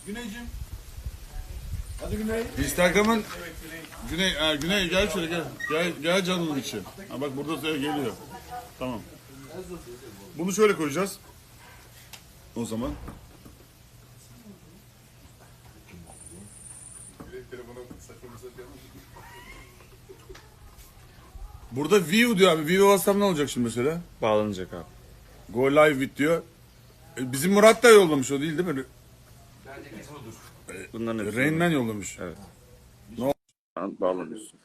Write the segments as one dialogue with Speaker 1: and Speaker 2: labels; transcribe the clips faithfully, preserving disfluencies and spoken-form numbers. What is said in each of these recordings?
Speaker 1: Güneyciğim. Hadi Güney.
Speaker 2: Instagram'ın Güney, ha, Güney gel şöyle gel. Gel, gel canımın içi. Ha, bak burada size geliyor. Tamam. Bunu şöyle koyacağız. O zaman. Burada view diyor abi. View bassam ne olacak şimdi mesela?
Speaker 3: Bağlanacak abi.
Speaker 2: Go live with diyor. E, bizim Murat da yollamış o değil değil mi?
Speaker 3: Bunların hepsi
Speaker 2: Rainman yollamış.
Speaker 3: Evet.
Speaker 2: Ne oldu?
Speaker 3: Şu an bağlanıyorsun.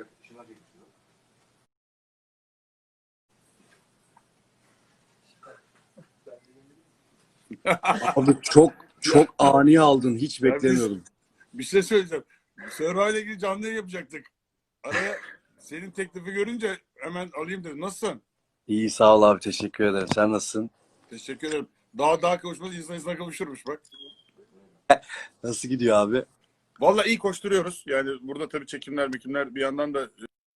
Speaker 4: Abi çok çok ani aldın. Hiç
Speaker 2: Ya
Speaker 4: beklemiyordum.
Speaker 2: Bir şey söyleyeceğim. Survivor ile ilgili canlı yayın yapacaktık. Araya senin teklifi görünce hemen alayım dedim. Nasılsın?
Speaker 4: İyi sağ ol abi. Teşekkür ederim. Sen nasılsın?
Speaker 2: Teşekkür ederim. Daha daha kavuşmaz, insan insana kavuşurmuş bak.
Speaker 4: Nasıl gidiyor abi?
Speaker 2: Vallahi iyi koşturuyoruz. Yani burada tabii çekimler, mekimler bir yandan da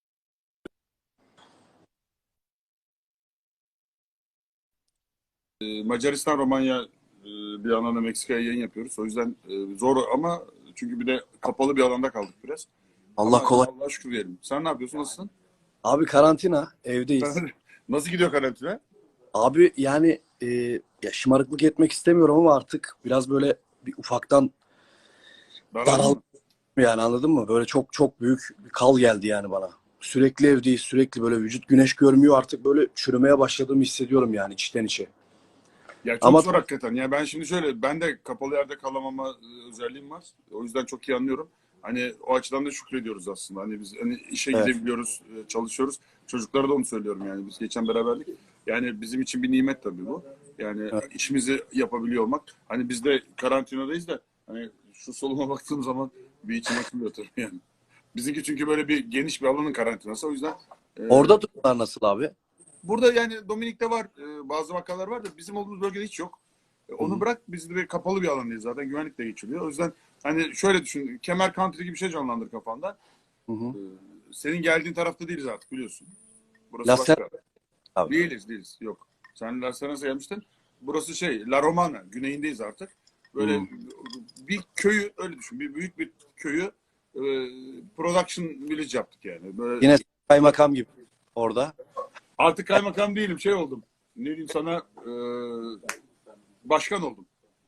Speaker 2: e, Macaristan, Romanya, e, bir yandan da Meksika'ya yayın yapıyoruz. O yüzden e, zor ama çünkü bir de kapalı bir alanda kaldık biraz.
Speaker 4: Allah
Speaker 2: Ama
Speaker 4: kolay.
Speaker 2: Allah'a şükür diyelim. Sen ne yapıyorsun? Nasılsın?
Speaker 4: Abi karantina. Evdeyiz.
Speaker 2: Nasıl gidiyor karantina?
Speaker 4: Abi yani e, ya şımarıklık etmek istemiyorum ama artık biraz böyle bir ufaktan
Speaker 2: Daraldın
Speaker 4: daral
Speaker 2: mı?
Speaker 4: yani anladın mı? Böyle çok çok büyük bir kal geldi yani bana. Sürekli evdeyiz. Sürekli böyle vücut güneş görmüyor. Artık böyle çürümeye başladığımı hissediyorum yani içten içe.
Speaker 2: Ya çok
Speaker 4: Ama
Speaker 2: zor hakikaten. Ya ben şimdi şöyle, ben de kapalı yerde kalamama e, özelliğim var. O yüzden çok iyi anlıyorum. Hani o açıdan da şükrediyoruz aslında. Hani biz hani işe
Speaker 4: Evet.
Speaker 2: gidebiliyoruz, e, çalışıyoruz. Çocuklara da onu söylüyorum yani. Biz geçen beraberlik. Yani bizim için bir nimet tabii bu. Yani
Speaker 4: Evet.
Speaker 2: işimizi yapabiliyor olmak. Hani biz de karantinadayız da hani şu soluma baktığım zaman bir içim açılıyor tabii yani. Bizimki çünkü böyle bir geniş bir alanın karantinası. O yüzden e,
Speaker 4: Orada durumlar nasıl abi?
Speaker 2: burada yani Dominik'te var, e, bazı vakalar var da bizim olduğumuz bölgede hiç yok. E, Onu
Speaker 4: Hı.
Speaker 2: bırak, biz de bir kapalı bir alandayız zaten, güvenlik de geçiliyor. O yüzden hani şöyle düşün, Kemer Country gibi bir şey canlandır kafanda.
Speaker 4: Hı hı.
Speaker 2: E, Senin geldiğin tarafta değiliz artık, biliyorsun. Burası
Speaker 4: Las
Speaker 2: başka.
Speaker 4: abi.
Speaker 2: Değiliz, değiliz. Yok. Sen Las Vegas'a gelmiştin. Burası şey, La Romana, güneyindeyiz artık. Böyle
Speaker 4: Hı.
Speaker 2: bir köyü, öyle düşün, bir büyük bir köyü e, production village yaptık yani. Böyle
Speaker 4: Yine kaymakam gibi orada.
Speaker 2: artık kaymakam değilim, şey oldum. Ne diyeyim sana, e, başkan oldum.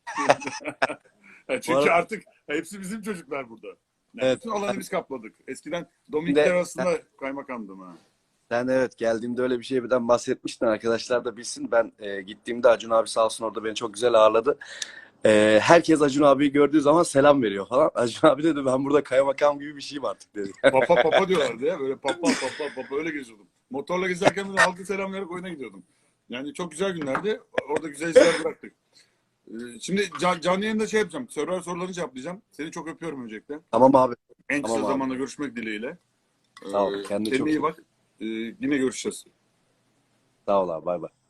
Speaker 2: Çünkü
Speaker 4: arada-
Speaker 2: artık hepsi bizim çocuklar burada. Yani
Speaker 4: Evet.
Speaker 2: bütün alanı biz kapladık. Eskiden
Speaker 4: Bir
Speaker 2: Dominikler
Speaker 4: de
Speaker 2: arasında kaymakamdım ha.
Speaker 4: sen evet geldiğimde öyle bir şeyden bahsetmiştin. Arkadaşlar da bilsin. Ben e, gittiğimde Acun abi sağ olsun orada beni çok güzel ağırladı. E, herkes Acun abiyi gördüğü zaman selam veriyor falan. Acun abi dedi ben burada kaymakam gibi bir şeyim artık dedi.
Speaker 2: Papa papa diyorlardı ya. Böyle papa papa papa öyle geziyordum. Motorla gezerken de halkı selam vererek oyuna gidiyordum. Yani çok güzel günlerdi. Orada güzel izler bıraktık. Ee, Şimdi can, canlı yayında şey yapacağım. Sorular sorularını cevaplayacağım. Seni çok öpüyorum öncelikle.
Speaker 4: Tamam abi.
Speaker 2: En kısa
Speaker 4: Tamam abi.
Speaker 2: zamanda görüşmek dileğiyle. Ee,
Speaker 4: Sağ ol. Kendine
Speaker 2: Kendine
Speaker 4: çok
Speaker 2: iyi
Speaker 4: iyi.
Speaker 2: bak. Ee, Yine görüşeceğiz.
Speaker 4: Sağ ol abi. Bay bay.